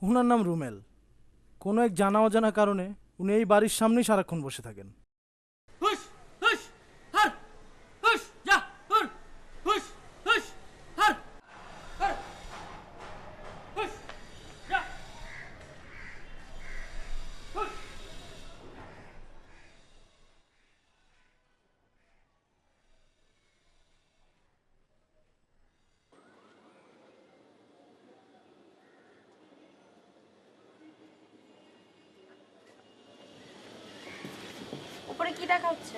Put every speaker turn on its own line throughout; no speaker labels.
ওনার নাম রুমেল। কোনো এক জানা অজানা কারণে উনি এই বাড়ির সামনেই সারাক্ষণ বসে থাকেন।
হুশ হুশ হার হুশ যা হুর হুশ হুশ হার হার হুশ যা হুশ।
উপরে কি দেখা হচ্ছে?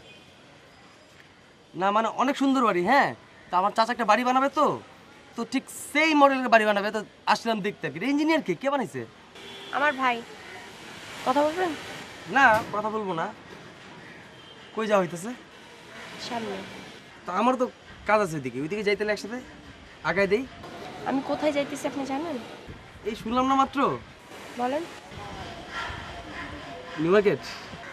না মানে অনেক সুন্দর বাড়ি, হ্যাঁ। তো আমার চাচা একটা বাড়ি বানাবে, তো তো ঠিক সেই মডেলের বাড়ি বানাবে। তো আসলাম দেখতে আর কি। ইঞ্জিনিয়ার কে বানাইছে?
আমার ভাই। কথা বলবেন?
না, কথা বলবো না। কই যাওয়া হইতেছে?
সামনে।
তো আমার তো কাজ আছে ওইদিকে, ওইদিকে যাইতে হলে একসাথে আগায় দেই।
আমি কোথায় যাইতেছি আপনি জানেন?
এই শুনলাম না মাত্র।
বলেন।
নিউ মার্কেট,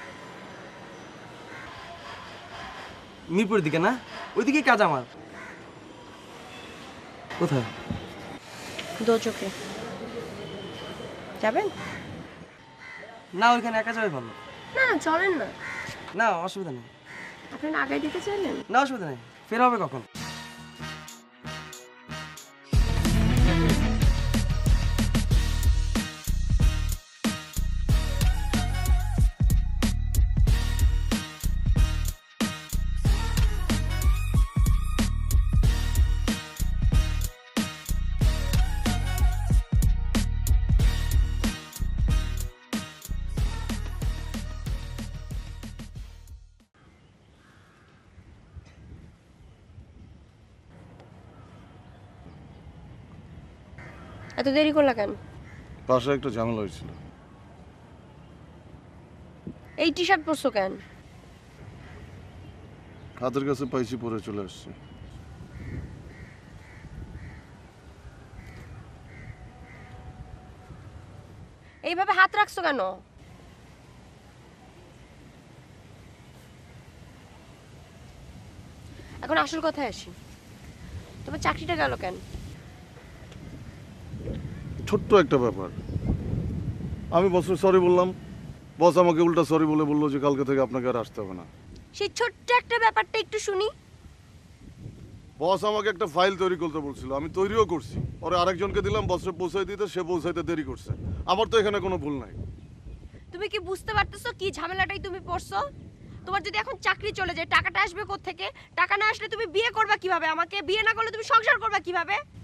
মিরপুরের দিকে না? ওইদিকেই কাজ আমার। কোথায়?
দোচোকে যাবেন?
না, ওইখানে একা যাবে ভালো।
না না, চলেন না।
না, অসুবিধা নেই।
আপনি না আগায় দিতে চাইলেন?
না, অসুবিধা নেই। ফের হবে কখন?
এত দেরি করলা কেন?
বাসায় একটা ঝামেলা হয়েছিল।
এই টি শার্ট পরছো কেন?
হাতের কাছে পাইছি, পরে চলে আসছে।
এইভাবে হাত রাখছো কেন? এখন আসল কথায় আসি। তোমার চাকরিটা গেল কেন?
ছোট্ট একটা ব্যাপার। আমি বসে সরি বললাম, বস আমাকে উল্টা সরি বলে বললো যে কালকে থেকে আপনাকে আর আসতে হবে না।
সেই ছোট্ট একটা ব্যাপারটা একটু শুনি।
বস আমাকে একটা ফাইল তৈরি করতে বলছিল, আমি তৈরিও করছি। পরে আরেকজনকে দিলাম বসে পৌঁছাই দিতে, সে পৌঁছাইতে দেরি করছে। আমার তো এখানে কোনো ভুল নাই।
তুমি কি বুঝতে পারতেছো কি ঝামেলাটাই তুমি পড়ছো? তোমার যদি এখন চাকরি চলে যায় টাকাটা আসবে কোত্থেকে? টাকা না আসলে তুমি বিয়ে করবা কিভাবে? আমাকে বিয়ে না করলে তুমি সংসার করবা কিভাবে?